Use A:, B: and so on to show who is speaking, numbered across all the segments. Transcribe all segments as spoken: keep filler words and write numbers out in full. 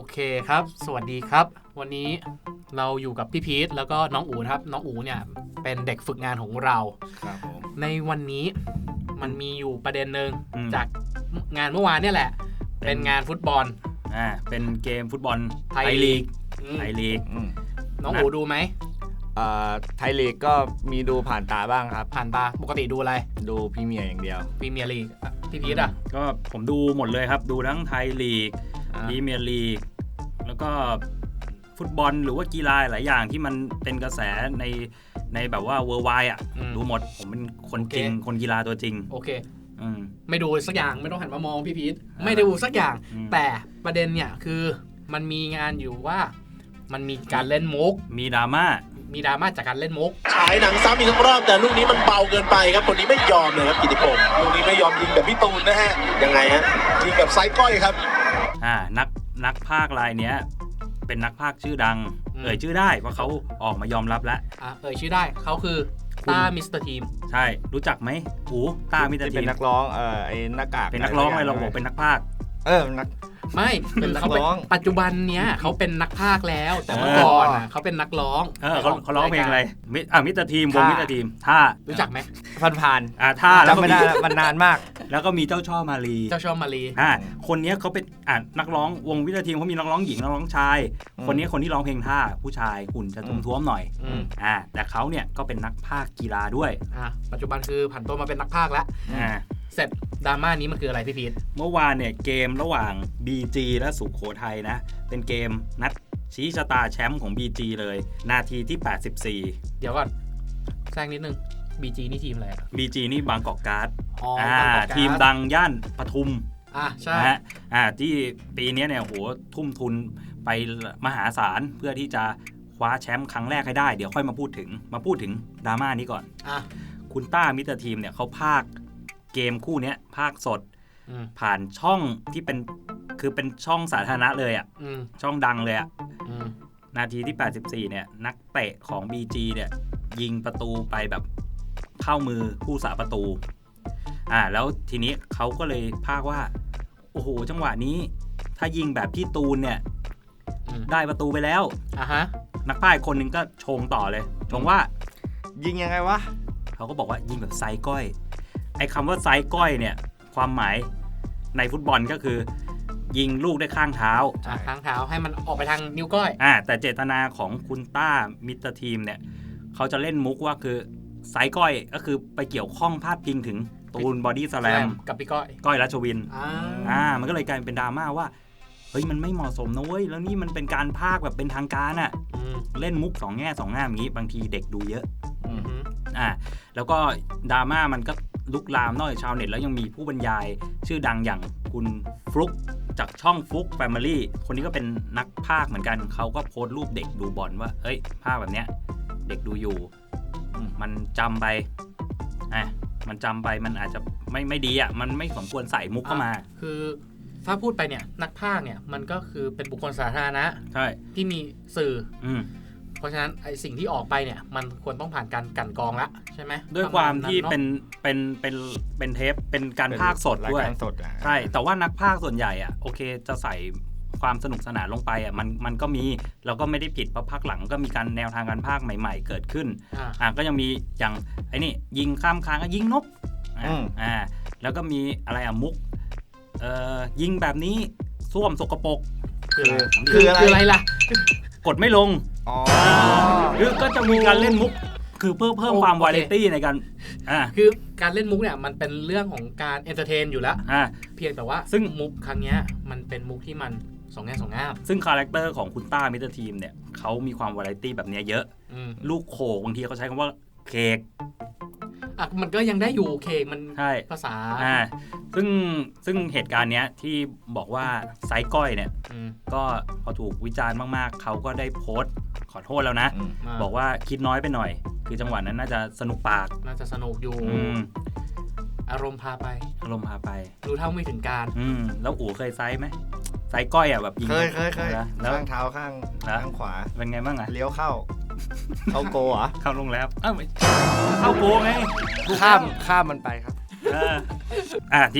A: เคครับสวัสดีครับวันนี้เราอยู่กับพี่พีทแล้วก็น้องอู๋ครับน้องอู๋เนี่ยเป็นเด็กฝึกงานของเรา
B: ครับผม
A: ในวันนี้มันมีอยู่ประเด็นหนึ่งจากงานเมื่อวานเนี่ยแหละเป็นงานฟุตบอล
C: อ่าเป็นเกมฟุตบอล
A: ไทยลีก
C: ไทยลีก
A: น้องอู๋ดูไหม
B: อ่าไทยลีกก็มีดูผ่านตาบ้างครับ
A: ผ่านตาปกติดูอะไร
B: ดูพรีเมียร์อย่างเดียว
A: พรีเมียร์ลีกพี่พีทอ่ะ
C: ก็ผมดูหมดเลยครับดูทั้งไทยลีกพรีเมียร์ลีกแล้วก็ฟุตบอลหรือว่ากีฬาหลายอย่างที่มันเป็นกระแสในในแบบว่าเวอร์ไวด์อ่ะดูหมดผมเป็นคนจริงคนกีฬาตัวจริง
A: โอเคไม่ดูสักอย่างไม่ต้องหันมามองพี่พีทไม่ได้ดูสักอย่างแต่ประเด็นเนี่ยคือมันมีงานอยู่ว่ามันมีการเล่นมุก
C: มีดราม่า
A: มีดราม่าจากการเล่นมุก
D: ฉายหนังซ้ำอีกทั้งรอบแต่ลูกนี้มันเบาเกินไปครับคนนี้ไม่ยอมเลยครับกิติพงศ์ลูกนี้ไม่ยอมยิงแบบพี่ตูนนะฮะยังไงฮะยิงกับไซก้อยครับ
C: อ่านักนักพากย์รายเนี้ยเป็นนักพากย์ชื่อดังเอ่ยชื่อได้เพราะเขาออกมายอมรับแล้ว
A: อ่าเอ่ยชื่อได้เขาคือต้ามิสเตอร์ทีม
C: ใช่รู้จักไหมโอ้ต้ามิสเตอร์ทีม
B: เป็นนักร้องเอ่อไอ้หน้ากาก
C: เป็นนักร้องอะไรเราบอกเป็นนักพากย์
B: เออนัก
A: ไม่เป็นเขาเป็นปัจจุบันเนี้ยเขาเป็นนักพากย์แล้วแต่เมื่อก่อนอ่ะเขาเป็นนักร้อง
C: เออเขาเขาร้องเพลงอะไรอ่ะมิสเตอร์ทีมวงมิสเตอร์ทีมท่า
A: รู้จักไหม
B: ผ่านผ่าน
C: อ่าท่า
B: จำไม่ได้มันนานมาก
C: แล้วก็มีเจ้าช่อมาลี
A: เจ้าช่อมาลี
C: อ่าคนนี้เขาเป็นอ่านักร้องวงมิสเตอร์ทีมเขามีนักร้องหญิงนักร้องชายคนนี้คนที่ร้องเพลงท่าผู้ชายหุ่นจะท้วมๆหน่อยอ่าแต่เขาเนี่ยก็เป็นนักพากย์กีฬาด้วย
A: อ่าปัจจุบันคือผันตัวมาเป็นนักพากย์แล้ว
C: อ่า
A: เสร็จดราม่านี้มันคืออะไรพี่พีท
C: เมื่อวานเนี่ยเกมระหว่าง บี จี และสุโขทัยนะเป็นเกมนัดชี้ชะตาแชมป์ของ บี จี เลยนาทีที่แปดสิบสี่
A: เดี๋ยวก่อนแซงนิดนึง บี จี นี่ทีมอะไรอ่ะ
C: บี จี นี่บางกอกการ์ด
A: อ๋อ
C: ทีมดังย่านปทุม
A: อ่าใช่
C: นะฮะอ่าที่ปีนี้เนี่ยโหทุ่มทุนไปมหาศาลเพื่อที่จะคว้าแชมป์ครั้งแรกให้ได้เดี๋ยวค่อยมาพูดถึงมาพูดถึงดราม่านี้ก่อน
A: อ่ะ
C: คุณต้ามิสเตอร์ทีมเนี่ยเขาพากเกมคู่นี้ภาคสดผ่านช่องที่เป็นคือเป็นช่องสาธารณะเลยอ่ะช่องดังเลยอ่ะนาทีที่แปดสิบสี่เนี่ยนักเตะของ บี จี เนี่ยยิงประตูไปแบบเข้ามือผู้สาประตูอ่าแล้วทีนี้เขาก็เลยพากว่าโอ้โหจังหวะนี้ถ้ายิงแบบพี่ตูนเนี่ยได้ประตูไปแล้ว
A: อ่ะฮะ
C: นักพากย์คนนึงก็ชงต่อเลยชงว่า
B: ยิงยังไงวะ
C: เขาก็บอกว่ายิงแบบไซก้อยไอ้คำว่าไซก้อยเนี่ยความหมายในฟุตบอลก็คือยิงลูกด้วยข้างเท้า
A: ข้างเท้าให้มันออกไปทางนิ้วก้อย
C: อ่าแต่เจตนาของคุณต้ามิสเตอร์ทีมเนี่ยเขาจะเล่นมุกว่าคือไซก้อยก็คือไปเกี่ยวข้องพาดพิงถึงตูนบอดี้สแลม
A: กับพี่ก้อย
C: ก้อยรัชวิน
A: อ่า
C: อ่ามันก็เลยกลายเป็นดราม่าว่าเฮ้ยมันไม่เหมาะสมนะเว้ยแล้วนี่มันเป็นการพากย์แบบเป็นทางการอ่ะเล่นมุกสองแง่สองงามอย่างนี้บางทีเด็กดูเยอะอ่าแล้วก็ดราม่ามันก็ลุกลามนอกจากชาวเน็ตแล้วยังมีผู้บรรยายชื่อดังอย่างคุณฟลุกจากช่องฟลุกแฟมิลี่คนนี้ก็เป็นนักพากย์เหมือนกันเขาก็โพสต์รูปเด็กดูบอลว่าเอ้ยพากย์แบบเนี้ยเด็กดูอยู่มันจำไปอ่ะมันจำไปมันอาจจะไม่ไม่ดีอ่ะมันไม่สมควรใส่มุกเข้ามา
A: คือถ้าพูดไปเนี่ยนักพากย์เนี่ยมันก็คือเป็นบุคคลสาธารณะ
C: ใช่
A: ที่มีสื่อ
C: อืม
A: เพราะฉะนั้นไอสิ่งที่ออกไปเนี่ยมันควรต้องผ่านการกั่นกรองละใช่ไหม
C: ด้วยความที่เป็นเป็นเป็นเป็นเทปเป็นการพากย์สดด้วยใช่แต่ว่านักพากย์ส่วนใหญ่อ่ะโอเคจะใส่ความสนุกสนานลงไปอ่ะมันมันก็มีเราก็ไม่ได้ผิดเพราะพักหลังก็มีการแนวทางการพากย์ใหม่ๆเกิดขึ้นอ่าก็ยังมีอย่างไอ้นี่ยิงข้ามค้างก็ยิงนกอ่าแล้วก็มีอะไรอ่ะมุกเอ่อยิงแบบนี้ส้วมสกปรก
A: คือคืออะไรล่ะ
C: กดไม่ลง
B: อ๋อ
C: หรือก็จะมีการเล่นมุกคือเพื่อเพิ่มความวาไรตี้ในการอ่า
A: คือการเล่นมุกเนี่ยมันเป็นเรื่องของการเอนเตอร์เทนอยู่แล้ว
C: อ่า
A: เพียงแต่ว่าซึ่งมุกครั้งนี้มันเป็นมุกที่มันสองแง่สองงาม
C: ซึ่งคาแรคเตอร์ของคุณต้ามิสเตอร์ทีมเนี่ยเขามีความวาไรตี้แบบนี้เยอะลูกโขกบางทีเขาใช้คำว่าเค้ก
A: อ่ะมันก็ยังได้อยู่เค้กมันภาษา
C: อ่าซึ่งซึ่งเหตุการณ์เนี้ยที่บอกว่าไซก้อยเนี่ยก็พอถูกวิจารณ์มากๆเขาก็ได้โพสต์ขอโทษแล้วนะบอกว่าคิดน้อยไปหน่อยคือจังหวะนั้นน่าจะสนุกปาก
A: น่าจะสนุกอยู่อารมณ์พาไป
C: อารมณ์พาไป
A: รู้เท่าไม่ถึงการ
C: อืมแล้วอู๋เคยไซไหมไซก้อยอ่ะแบบยิง
B: เคยเคยเคยข้างเท้าข้างข้างขวา
C: เป็นไงบ้างอ่ะ
B: เลี้ยวเข้าเข้าโกเหรอ
C: เข้าลงแล้วอ้าวเข้าโกไง
B: ข้ามข้ามมันไปครับ
C: อ่าทีนี้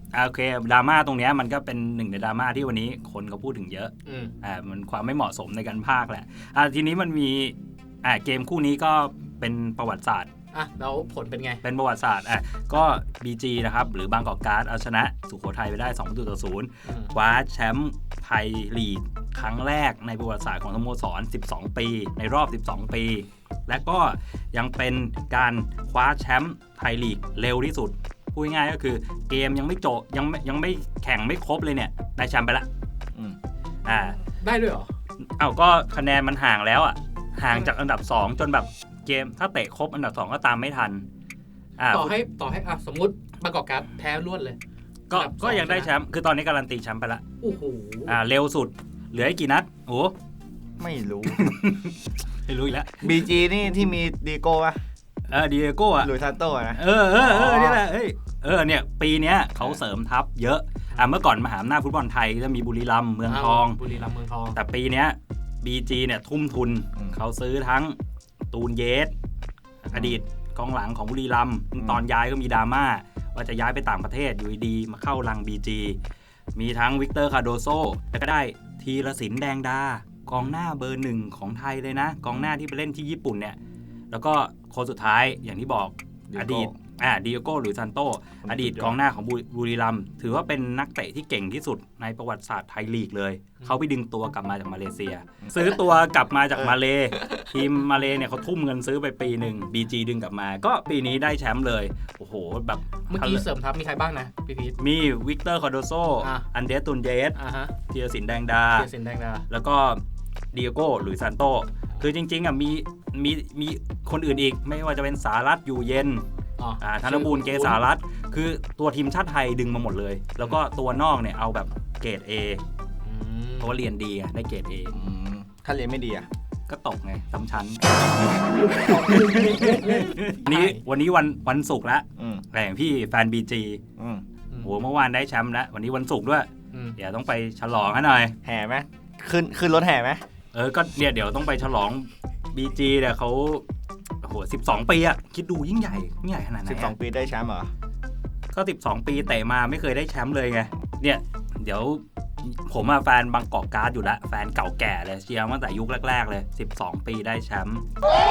C: โอเคดราม่าตรงเนี้ยมันก็เป็นหนึ่งในดราม่าที่วันนี้คนก็พูดถึงเยอะ
A: อืม
C: อ่ามันความไม่เหมาะสมในการพากย์แหละอ่าทีนี้มันมีอ่าเกมคู่นี้ก็เป็นประวัติศาสตร์
A: อ่ะแล้วผลเป็นไง
C: เป็นประวัติศาสตร์อ่ะก็ บี จี นะครับหรือบางกอกการ์ดเอาชนะสุโขทัยไปได้สองประตูต่อศูนย์
A: อืม
C: คว้าแชมป์ไทยลีกครั้งแรกในประวัติศาสตร์ของสโมสรสิบสองปีในรอบสิบสองปีและก็ยังเป็นการคว้าแชมป์ไทยลีกเร็วที่สุดพูดง่ายๆก็คือเกมยังไม่จบยังไม่ยังไม่แข่งไม่ครบเลยเนี่ยได้แชมป์ไปละ
B: อืม
C: อ่า
A: ได้ด้วยเหรอ
C: เอ้าก็คะแนนมันห่างแล้วอ่ะห่างจากอันดับสองจนแบบเกมถ้าเตะครบอันดับสองก็ตามไม่ทันอ่า
A: ต่อให้ต่อให้อ่ะสมมุติบางกอกการ์ดแพ้รวดเลย
C: ก็
A: อันดับสอง
C: ก็ยังได้แชมป์คือตอนนี้การันตีแชมป์ไปละ
A: โอ้โห
C: อ่าเร็วสุดเหลืออีกกี่นัดโอ้
B: ไม่รู้
C: ไม่รู้อีกแล้ว
B: บี จี นี่ที่มีดีโก้ป่ะ
C: เออดีเอโก้อะ
B: หลุยส์ซานโต้อะนะ
C: เออเออเออเนี่ยแหละเอ้ยเออเนี่ยปีเนี้ยเขาเสริมทัพเยอะอ่าเมื่อก่อนมหาอำนาจฟุตบอลไทยจะมีบุรีรัมย์เมืองทอง
A: บุรีรัมย์เมืองทอง
C: แต่ปีเนี้ย บี จี เนี่ยทุ่มทุนเขาซื้อทั้งตูนเยสอดีตกองหลังของบุรีรัมย์ตอนย้ายก็มีดราม่าว่าจะย้ายไปต่างประเทศอยู่ดีมาเข้ารัง บี จี มีทั้งวิกเตอร์คาโดโซแล้วก็ได้ธีรศิลป์แดงดากองหน้าเบอร์หนึ่งของไทยเลยนะกองหน้าที่ไปเล่นที่ญี่ปุ่นเนี่ยแล้วก็คนสุดท้ายอย่างที่บอกอดีตอ่าดิเอโก้หรือซานโตอดีตกองหน้าของบุรีรัมย์ถือว่าเป็นนักเตะที่เก่งที่สุดในประวัติศาสตร์ไทยลีกเลยเขาไปดึงตัวกลับมาจากมาเลเซีย ซื้อตัวกลับมาจากมาเลทีมมาเลเนี่ยเขาทุ่มเงินซื้อไปปีหนึ่ง บี จี ดึงกลับมาก็ปีนี้ได้แชมป์เลยโอ้โหแบบ
A: เมื่อกี้เสริมทัพมีใครบ้างนะพี่พีท
C: มีวิกเตอร์คาโดโซ
A: อ่ะ
C: อันเดสตุนเยส
A: อ่าฮะ
C: ธีรศิลป์แดงดา
A: เทียสินแดงดา
C: แล้วก็ดิเอโก้หรือซานโตคือจริงๆอ่ะมีมีมีคนอื่นอีกไม่ว่าจะเป็นสารัตอยู่เย็น
A: อ๋อ
C: อ่าธนบูรณ์เกษารัตน์คือตัวทีมชาติไทยดึงมาหมดเลย แล้วก็ตัวนอกเนี่ยเอาแบบเกรด A
A: อืม
C: เพราะว่าเรียนดีอะได้เกรด A
B: อืมถ้าเรียนไม่ดีอะ
C: ก็ตกไงซ้ำชั้น นี้วันนี้วันวันศุกร์แล้ว
B: อืม
C: แต่อย่างพี่แฟน บี จี
B: อืม
C: โหเมื่อวานได้แชมป์แล้ววันนี้วันศุกร์ด้วย
A: อืม
C: เดี๋ยวต้องไปฉลองกันหน่อย
B: แห่ไหมขึ้นขึ้นรถแห่ไหม
C: เออก็เนี่ยเดี๋ยวต้องไปฉลอง บี จี เนี่ยเขาโอ้โหสิบสองปีอะคิดดูยิ่งใหญ่ยิ่งใหญ่ขนาดไหน
B: สิบสอง
C: อะ
B: ปีได้แชมป์เหรอ
C: ก็สิบสองปีเตะมาไม่เคยได้แชมป์เลยไงเนี่ยเดี๋ยวผมอะแฟนบางกอกการ์ดอยู่แล้วแฟนเก่าแก่เลยเชียร์มาตั้งแต่ยุคแรกๆเลยสิบสองปีได้แชมป์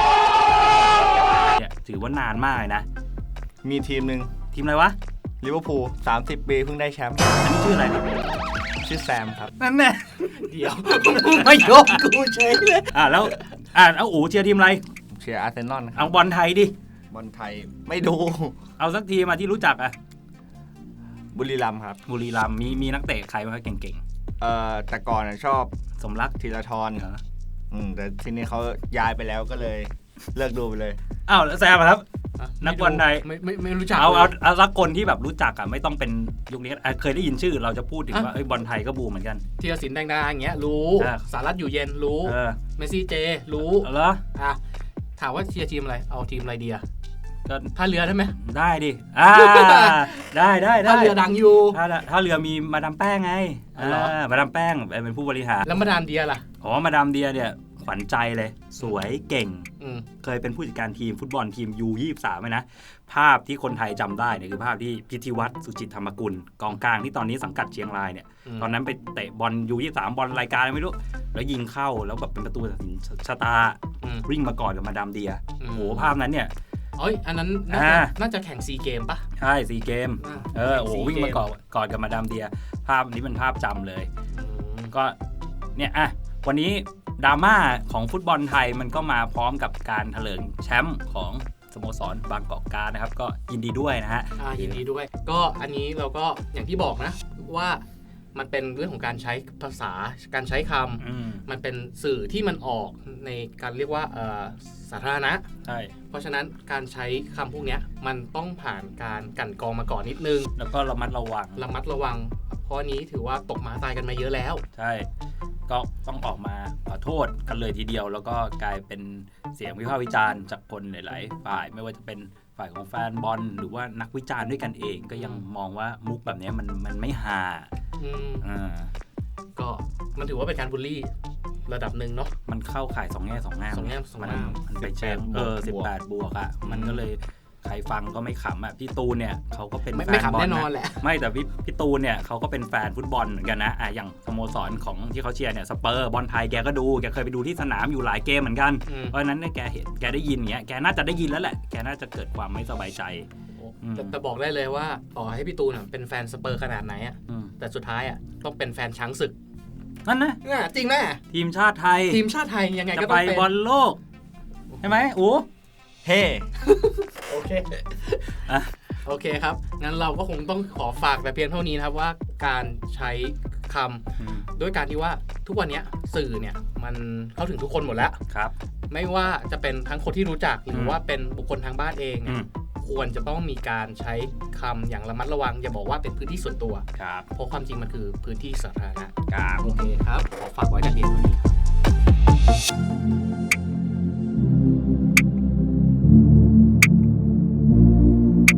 C: เนี่ยถือว่านานมากเลยนะ
B: มีทีมหนึ่ง
C: ทีมอะไรวะ
B: ลิเวอร์พูลสามสิบปีเพิ่งได้แชมป์
C: อันนี้ชื่ออะไร
B: ชื่อแซมครับ
C: นั่นแน่
A: เดี๋ยวไม่ยกกูเฉยเลย
C: อ่ะแล้วอ่ะเอาอู๋เชียร์ทีมอะไร
B: เชียร์อาร์เซนอลครั
C: เอา
B: บบ
C: อลไทยดิ
B: บอลไทยไม่ดู
C: เอาสักทีมาที่รู้จักอ่ะ
B: บุรีรัมย์ครับ
C: บุรีรัมย์มีมีนักเตะใครบ้างเก่ง
B: เอ่อแต่ก่อนอะชอบ
C: ๆ สมรัก
B: ธีรทร
C: เหรอ
B: อืมแต่ทีนี้เขาย้ายไปแล้วก็เลยเลิกดูไปเลย
C: อ้าวแล้วแซมอะครับ
A: อ่ะ
C: นักบอลไทย
A: ไม่ไม่ไม่รู้จัก
C: เอาเอา
A: ลย
C: เอาสักคนที่แบบรู้จักอ่ะไม่ต้องเป็นยุคนี้อ่ะเคยได้ยินชื่อเราจะพูดถึง
A: อ่ะ
C: ว่าเอ้ยบอลไทยก็บูมเหมือนกัน
A: เทียสินแดงดาอย่างเงี้ยรู้
C: อ่ะ
A: สารัตอยู่เย็นรู้
C: เออ
A: เมสซี่เจรู้
C: เอาเหรอ
A: อ่ะถามว่าเชียร์ทีมอะไรเอาทีมอะไรดีอะ
C: ก็
A: ท่าเรือได้ไหม
C: ได้ดิอ่าได้ได้ได้
A: ท่าเรือดังอยู่
C: ถ้าถ้าเรือมีมาดามแป้งไง
A: อ๋อเหรอ
C: อ่ามาดามแป้งเป็นผู้บริหาร
A: แล้วมาดามเดียล่ะ
C: อ๋อมาดามเดียเนี่ยขวัญใจเลย สวยเก่ง
A: อืม
C: เคยเป็นผู้จัดการทีมฟุตบอลทีม ยู ยี่สิบสาม เลยนะ ภาพที่คนไทยจำได้เนี่ยคือภาพที่พิธีวัฒน์สุจิตธรรมกุลกองกลางที่ตอนนี้สังกัดเชียงรายเนี่ย
A: อืม
C: ตอนนั้นไปเตะบอล ยู ยี่สิบสาม บอลรายการอะไรไม่รู้ แล้วยิงเข้าแล้วแบบเป็นประตูตัดสินชะตา
A: อืม
C: วิ่งมากอดกับมาดามเดีย
A: อืม
C: โอ้โหภาพนั้นเนี่ย
A: เอ้ยอันนั้นน่าจะ
C: อ่า
A: น่าจะแข่งซีเกมปะ
C: ใช่ซีเกม
A: อ่า
C: เออโอ้โห
A: แข่
C: วิ่ง
A: ซี
C: มากอดกอดกับมาดามเดีย ภาพนี้เป็นภาพจำเลย
A: อืม
C: ก็เนี่ยอ่ะวันนี้ดราม่าของฟุตบอลไทยมันก็มาพร้อมกับการเถลิงแชมป์ของสโมสรบางกอกการ์ดนะครับ ก็ยินดีด้วยนะฮะ
A: อ่ายินดีด้วย ก็อันนี้เราก็อย่างที่บอกนะ ว่ามันเป็นเรื่องของการใช้ภาษาการใช้คำ
C: อืม
A: มันเป็นสื่อที่มันออกในการเรียกว่าเอ่อสาธารณะ
C: ใช่
A: เพราะฉะนั้นการใช้คำพวกเนี้ยมันต้องผ่านการกลั่นกรองมาก่อนนิดนึง
C: แล้วก็ระมัดระวัง
A: ระมัดระวัง เพราะอันนี้ถือว่าตกหมาตายกันมาเยอะแล้ว
C: ใช่ ก็ต้องออกมาขอโทษกันเลยทีเดียว แล้วก็กลายเป็นเสียงวิพากษ์วิจารณ์จากคนหลาย ๆ ฝ่าย ไม่ว่าจะเป็นฝ่ายของแฟนบอลหรือว่านักวิจารณ์ด้วยกันเอง ก็ยังมองว่ามุกแบบนี้มันมันไม่ฮา
A: อืม
C: อ่า
A: ก็มันถือว่าเป็นการบูลลี่ระดับหนึ่งเนาะ
C: มันเข้าข่ายสองแง่สองงาม
A: สองแง่สอง
C: มัน
A: งาม
C: มันไปเชิงเออสิบแปดบวกอ่ะ มันก็เลยใครฟังก็ไม่ขำอ่ะพี่ตูนเนี่ยเขาก็เป็น
A: ไม่
C: แฟ
A: ไม่
C: น
A: ขำ
C: บอล
A: แน่นอน
C: นะ
A: แหละ
C: ไม่แต่พี่พี่ตูนเนี่ยเขาก็เป็นแฟนฟุตบอลเหมือนกันนะอ่ะอย่างสโมสรของที่เขาเชียร์เนี่ยสเปอร์บอลไทยแกก็ดูแกเคยไปดูที่สนามอยู่หลายเกมเหมือนกัน
A: อืม
C: เพราะฉะนั้นเนี่ยแกเห็นแกได้ยินอย่างเงี้ยแกน่าจะได้ยินแล้วแหละแกน่าจะเกิดความไม่สบายใจ อืม
A: แต่แต่บอกได้เลยว่าต่อให้พี่ตูนอะเป็นแฟนสเปอร์ขนาดไหนอะ
C: อืม
A: แต่สุดท้ายอะต้องเป็นแฟนช้างศึก
C: นั่นนะ
A: อ่ะจริงแม่
C: ทีมชาติไทย
A: ทีมชาติไทยยังไง
C: จะ
A: ก็
C: ไป
A: ต้องเป็น
C: บอลโลกใช่ไหมอู
B: เฮ้
A: โอเค
C: อ่ะ
A: โอเคครับ งั้นเราก็คงต้องขอฝากแต่เพียงเท่านี้นะครับว่าการใช้คำ
C: อืม
A: ด้วยการที่ว่าทุกวันเนี้ยสื่อเนี่ยมันเข้าถึงทุกคนหมดแล้ว
C: ครับ
A: ไม่ว่าจะเป็นทั้งคนที่รู้จักหรือ
C: ม
A: ว่าเป็นบุคคลทางบ้านเอง
C: อื
A: เนี่ย
C: ม
A: ควรจะต้องมีการใช้คำอย่างระมัดระวัง อย่าบอกว่าเป็นพื้นที่ส่วนตัว
C: ครับ
A: เพราะความจริงมันคือพื้นที่สาธารณะ
C: ครับ
A: โอเคครับ ขอฝากไว้แต่เพียงเท่านี้ครับ